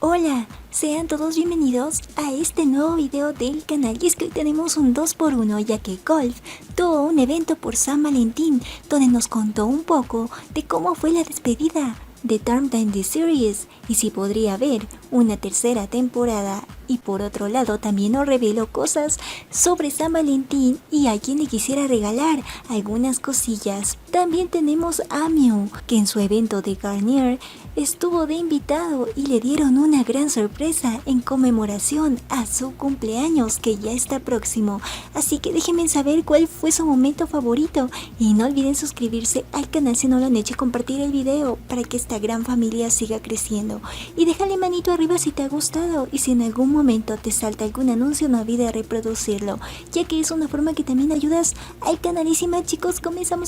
Hola, sean todos bienvenidos a este nuevo video del canal y es que hoy tenemos un 2x1 ya que Golf tuvo un evento por San Valentín donde nos contó un poco de cómo fue la despedida de Term Time The Series y si podría haber una tercera temporada. Y por otro lado también nos reveló cosas sobre San Valentín y a quien le quisiera regalar algunas cosillas. También tenemos a Mew, que en su evento de Garnier estuvo de invitado y le dieron una gran sorpresa en conmemoración a su cumpleaños que ya está próximo. Así que déjenme saber cuál fue su momento favorito y no olviden suscribirse al canal si no lo han hecho y compartir el video para que esta gran familia siga creciendo. Y déjale manito arriba si te ha gustado y si en algún momento te salta algún anuncio no olvides reproducirlo, ya que es una forma que también ayudas al canal. Y sin más chicos, comenzamos.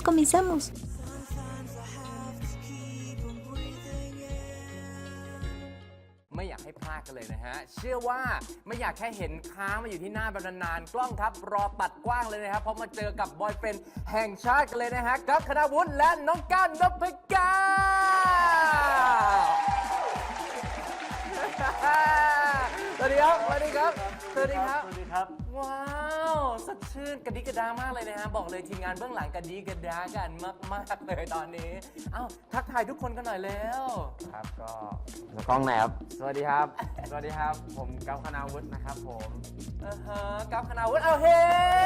ไม่อยากให้พลาดกันเลยนะฮะเชื่อว่าไม่อยากแค่เห็นค้างมาอยู่ที่หน้าแบบนานๆกล้องครับรอตัดกว้างเลยนะครับเพราะมาเจอกับบอยเฟรนด์แห่งชาติกันเลยนะฮะกั๊บคณาวุฒิและน้องก้านนพกาสวัสดีครับสวัสดีครับสวัสดีครับสวัสดีครับว้าวสดชื่นกระดิกระดามากเลยนะฮะบอกเลยทีมงานเบื้องหลังกระดิกระดากันมากๆเลยตอนนี้เอ้าทักทายทุกคนกันหน่อยแล้วครับก็กล้องไหนครับสวัสดีครับสวัสดีครับผมกั๊บคณาวุฒินะครับผมกั๊บคณาวุฒิเอาเฮ้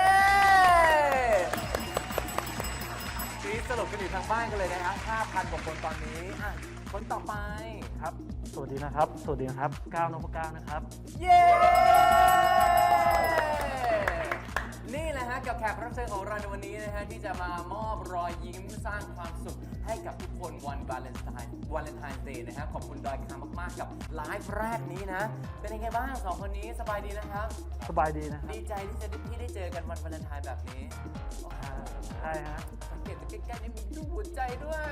สรุปกันอยู่ทางบ้านกันเลยนะครับ 5,000 กว่าคนตอนนี้คนต่อไปครับสวัสดีนะครับสวัสดีครับก้าวนพก้าวนะครับเย้นี่แหละฮะกับแขกรับเชิญของเราในวันนี้นะฮะที่จะมามอบรอยยิ้มสร้างความสุขให้กับทุกคนวันวาเลนไทน์เดย์นะฮะขอบคุณดอยคามากๆกับไลฟ์แรกนี้นะเป็นยังไงบ้างสองคนนี้สบายดีนะครับสบายดีนะครับดีใจที่ได้เจอกันวันวาเลนไทน์แบบนี้ใช่ฮะสังเกตจากใกล้ๆนี่มีรูปหัวใจด้วย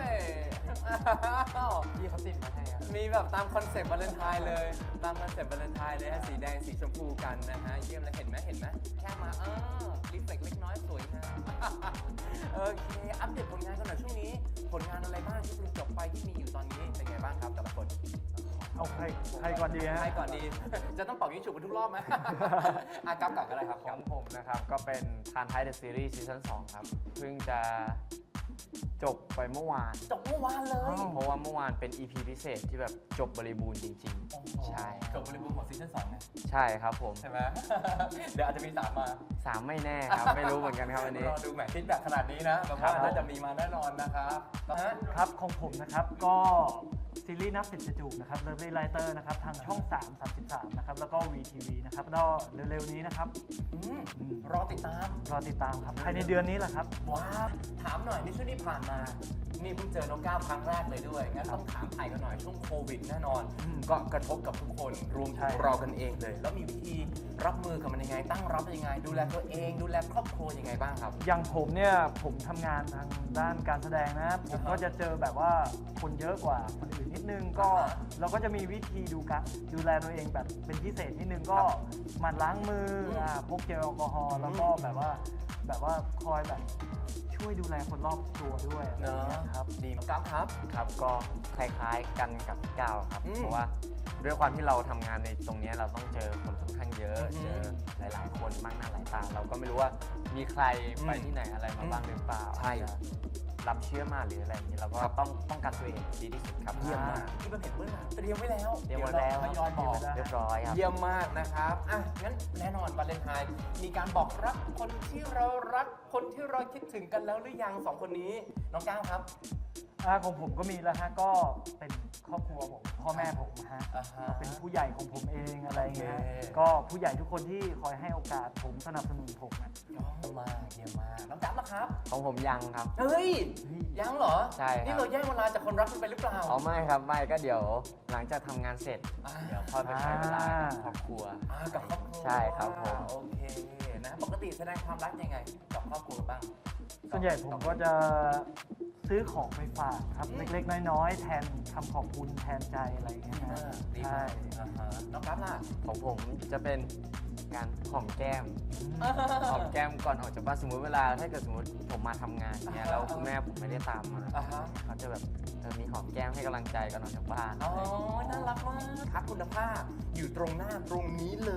พี่เขาติดมาให้มีแบบตามคอนเซ็ปต์วาเลนไทน์เลยตามคอนเซ็ปต์วาเลนไทน์เลยฮะสีแดงสีชมพูกันนะฮะเยี่ยมเลยเห็นไหมแค่มารีเฟล็กเล็กน้อยสวยงามโอเคอัปเดตผลงานกันหน่อยช่วงนี้ผลงานอะไรบ้างที่เพิ่งจบไปที่มีอยู่ตอนนี้เป็นไงบ้างครับแต่ละคนเอาใครก่อนดีฮะใครก่อนดีจะต้องเป่ายิงฉุบกันทุกรอบไหมกั๊บก่อนก็ได้ครับของผมนะครับก็เป็นทานไทเดอะซีรีส์ซีซั่น2ครับเพิ่งจะจบไปเมื่อวานเลยเพราะว่าเมื่อวานเป็น EP พิเศษที่แบบจบบริบูรณ์จริงๆใช่จบบริบูรณ์ของซีซั่น2ไงใช่ครับผมใช่ไหมเดี๋ยวอาจจะมี3มา 3ไม่แน่ครับไม่รู้เหมือนกันครับวันนี้รอดูแมทฟิตแบบขนาดนี้นะแบบว่าน่าจะมีมาแน่นอนนะครับครับของผมนะครับก็ซีรีส์นับสิบจะจูบนะครับ Lovely Writer นะครับทางช่อง3 33นะครับแล้วก็ VTV นะครับก็เร็วๆนี้นะครับรอติดตามครับภายในเดือนนี้แหละครับว้าถามหน่อยในช่วงที่ผ่านมานี่เพิ่งเจอน้องก้าวครั้งแรกเลยด้วยงั้นต้องถามไทยกันหน่อยช่วงโควิดแน่นอนก็กระทบกับทุกคนรวมถึงเรากันเองเลยแล้วมีวิธีรับมือกับมันยังไงตั้งรับยังไงดูแลตัวเองดูแลครอบครัวยังไงบ้างครับอย่างผมเนี่ยผมทำงานทางด้านการแสดงนะผมก็จะเจอแบบว่าคนเยอะกว่าคนอื่นนิดนึงก็เราก็จะมีวิธีดูแลตัวเองแบบเป็นพิเศษนิดนึงก็หมั่นล้างมือพกเจลแอลกอฮอล์แล้วก็แบบว่าคอยแบบช่วยดูแลคนรอบตัวด้วยนะครับดีมากครับก็คล้ายๆกันกับพี่ก้าวครับเพราะว่าด้วยความที่เราทำงานในตรงนี้เราต้องเจอคนค่อนข้างเยอะเจอหลายๆคนมากหน้าหลายตาเราก็ไม่รู้ว่ามีใครไปที่ไหนอะไรมาบ้างหรือเปล่าใช่รับเชื้อมาหรืออะไรอย่างนี้เราก็ต้องป้องกันตัวเองดีที่สุดครับเยี่ยมมากที่มันเห็นเบื้องหลังเตรียมไว้แล้วทยอยบอกเรียบร้อยครับเยี่ยมมากนะครับงั้นแน่นอนวาเลนไทน์มีการบอกรักคนที่เรารักคนที่เราคิดถึงกันแล้วหรือยัง2คนนี้น้องก้าวครับของผมก็มีแล้วฮะก็เป็นครอบครัวผมพ่อแม่ผมฮะเป็นผู้ใหญ่ของผมเองอะไรเงี้ยก็ผู้ใหญ่ทุกคนที่คอยให้โอกาสผมสนับสนุนผมนะเยี่ยมมากน้องกั๊บล่ะครับของผมยังครับเฮ้ยยังเหรอใช่นี่เราแย่งเวลาจากคนรักกันไปหรือเปล่าไม่ครับไม่ก็เดี๋ยวหลังจากทำงานเสร็จเดี๋ยวค่อยไปใช้เวลากับครอบครัวกับครอบครัวใช่ครับผมโอเคนะปกติแสดงความรักยังไงกับครอบครัวบ้างส่วนใหญ่ผมก็จะซื้อของไปฝากครับเล็กๆน้อยๆแทนคำขอบคุณแทนใจอะไรอย่างเงี้ยนะดีใช่มากน้องกราฟล่ะของผมจะเป็นการหอมแก้ม หอมแก้มก่อนออกจากบ้านสมมติเวลาถ้าเกิดสมมติผมมาทำงานเนี้ยแล้วคุณแม่ผมไม่ได้ตามมาอ่าฮะเขาจะแบบมีหอมแก้มให้กำลังใจก่อนออกจากบ้านอ๋อ น่ารักมากครับคุณภาพอยู่ตรงหน้าตรงนี้เลย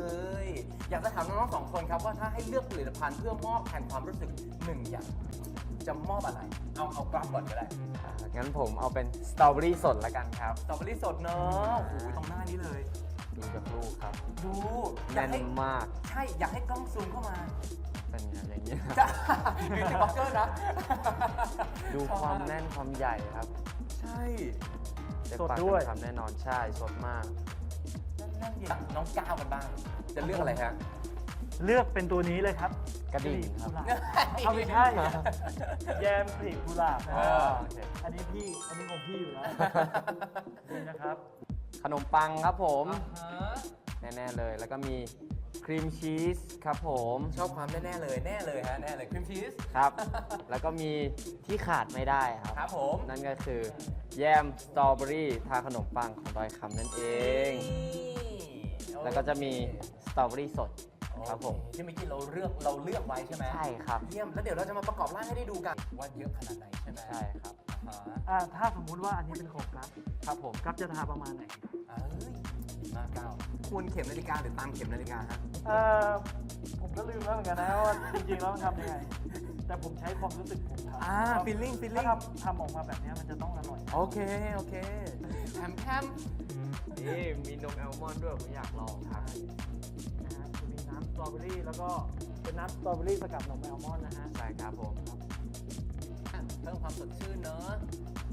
อยากจะถามน้องๆสองคนครับว่าถ้าให้เลือกผลิตภัณฑ์เพื่อมอบแทนความรู้สึกหนึ่งอย่างจะมอบอะไร เอากราฟก่อนก็ได้งั้นผมเอาเป็นสตรอเบอรี่สดละกันครับสตรอเบอรี่สดเนอะโอ้โหตรงหน้านี้เลยดูจากลูกครับดูอยาแน่กนให้มากใช่ อยากให้กล้องซูมเข้ามาเป็นอย่างนี้ยจ้าบิวตี้บล็อกเกอร์นะดูความแน่นความใหญ่ครับใช่เต็มสดปากด้วยเต็มคำแน่นอนใช่สดมากนั่นเย็นน้องก้าวกันบ้าง จะเลือกอะไรฮะเลือกเป็นตัวนี้เลยครับกระดิ่งครับกุหลาบเอาไม่ใช่แยมกลีบกุหลาบนะเอคอรับโอเคอันนี้ของพี่อยู่แล้วนี่นะครับขนมปังครับผมอ่าฮะแน่ๆเลย แล้วก็มีครีมชีสครับผมชอบความแน่ๆเลยแน่เลยฮะแน่เลยครีมชีสครับ แล้วก็มีที่ขาดไม่ได้ครับครับผมนั่นก็คือแยมสตรอเบอรี่ทาขนมปังของดอยคำนั่นเอง แล้วก็จะมีสตรอเบอรี่สดครับผมที่เมื่อกี้เราเลือกไว้ใช่ไหมใช่ครับเยี่ยมแล้วเดี๋ยวเราจะมาประกอบร่างให้ได้ดูกันว่าเยอะขนาดไหนใช่ไหมใช่ครับอ่าถ้าสมมุติว่าอันนี้เป็นของกัฟครับผมกัฟจะทาประมาณไหนเอ้ยดีมากก้าวควรเข็มนาฬิกาหรือตามเข็มนาฬิกาฮะผมก็ลืมแล้วเหมือนกันนะว่าจริงๆแล้วมันทำยังไง แต่ผมใช้ความรู้สึกผมทำ feeling ถ้าทำออกมาแบบนี้มันจะต้องอร่อยโอเคแถมนี่มีนมแอลมอนด์ด้วยผมอยากลองครับนะฮะจะมีน้ำสตรอเบอรี่แล้วก็เป็นน้ำสตรอเบอรี่สกัดนมแอลมอนด์นะฮะใช่ครับผมเพิ่มความสดชื่นเนอะ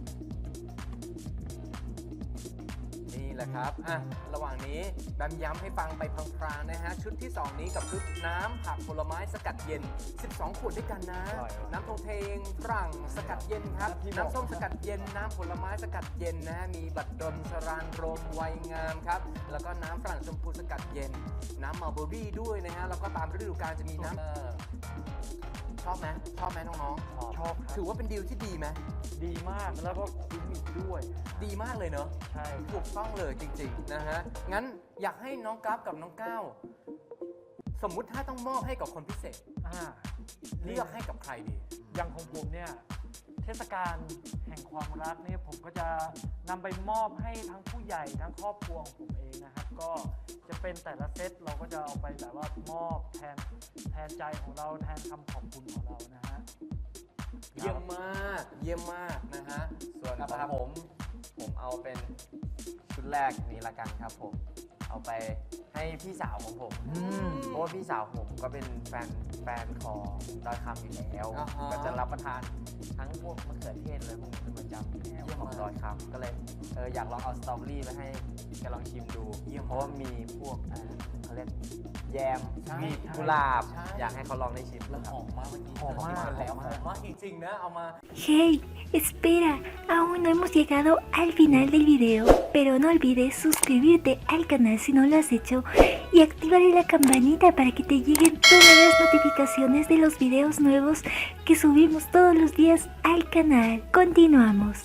นี่แหละครับระหว่างนี้แบมย้ำให้ฟังไปพลางๆนะฮะชุดที่ 2 นี้กับชุดน้ำผักผลไม้สกัดเย็น 12 ขวดด้วยกันนะ น้ำโทเทงฝรั่งสกัดเย็นครับ น้ำส้มสกัดเย็น น้ำผลไม้สกัดเย็นนะ มีบัตรดลสรานรมไวยงามครับ แล้วก็น้ำฝรั่งชมพูสกัดเย็น น้ำมัลเบอรี่ด้วยนะฮะ แล้วก็ตามฤดูกาลจะมีน้ำชอบไหมน้องๆชอบครับถือว่าเป็นดีลที่ดีไหมดีมากแล้วก็คุ้มอีกด้วยดีมากเลยเนอะใช่ถูกต้องเลยจริงๆนะฮะ งั้นอยากให้น้องกราฟกับน้องก้าวสมมุติถ้าต้องมอบให้กับคนพิเศษ เลือกให้กับใครดีอย่างของผมเนี่ยเทศกาลแห่งความรักเนี่ยผมก็จะนำไปมอบให้ทั้งผู้ใหญ่ทั้งครอบครัวของผมเองนะครับ ก็จะเป็นแต่ละเซตเราก็จะเอาไปแบบว่ามอบแทนใจของเราแทนคำขอบคุณของเรานะฮะเยี่ยมมากนะฮะส่วนครับของผมเอาเป็นชุดแรกนี้ละกันครับผม เอาไปให้พี่สาวของผม เพราะว่าพี่สาวผมก็เป็นแฟนของดอยคำอยู่แล้วอ่าฮะก็จะรับประทานทั้งพวกมะเขือเทศเลยพวกนี้เป็นประจำอยู่แล้วเยี่ยมของมากดอยคำก็เลยอยากลองเอาสตรอเบอรี่ไปให้แกลองชิมดูเยี่ยมเพราะว่ามีพวกเขาเรียกแยมใช่มีกุหลาบใช่อยากให้เขาลองได้ชิมแล้วคหรับอมมากเมื่อกี้หอมมากแล้วหอมมากจริงๆนะ เอามา Hey, espera, aún no hemos llegado al final del video, pero no olvides suscribirte al canal si no lo has hecho y activar la campanita para que te lleguen todas las notificaciones de los videos nuevos que subimos todos los días al canal. Continuamos.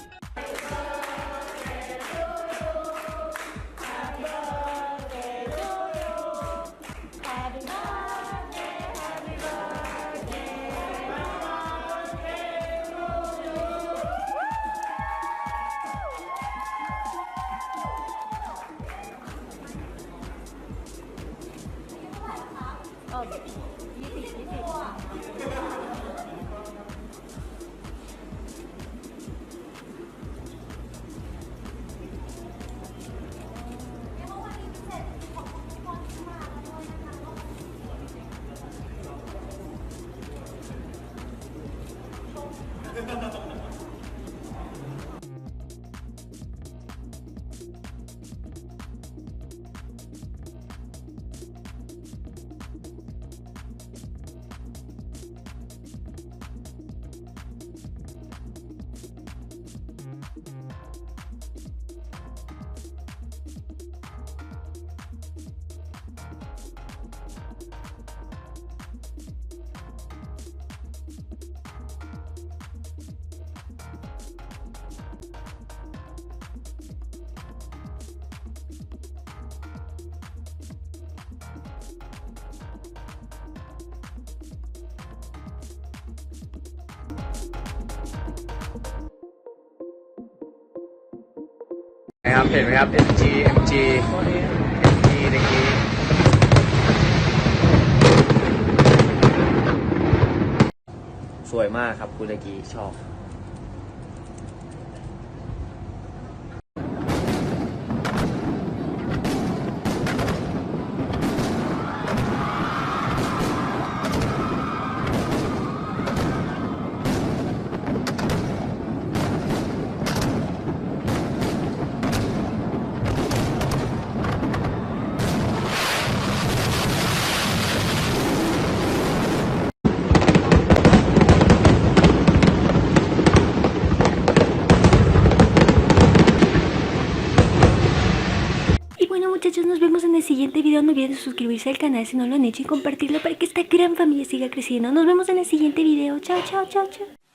ครับเห็นไหมครับ MG เมื่อกี้สวยมากครับคุณเมื่อกี้ชอบ Y bueno muchachos, nos vemos en el siguiente video. No olviden suscribirse al canal si no lo han hecho y compartirlo para que esta gran familia siga creciendo. Nos vemos en el siguiente video. Chao, chao, chao, chao.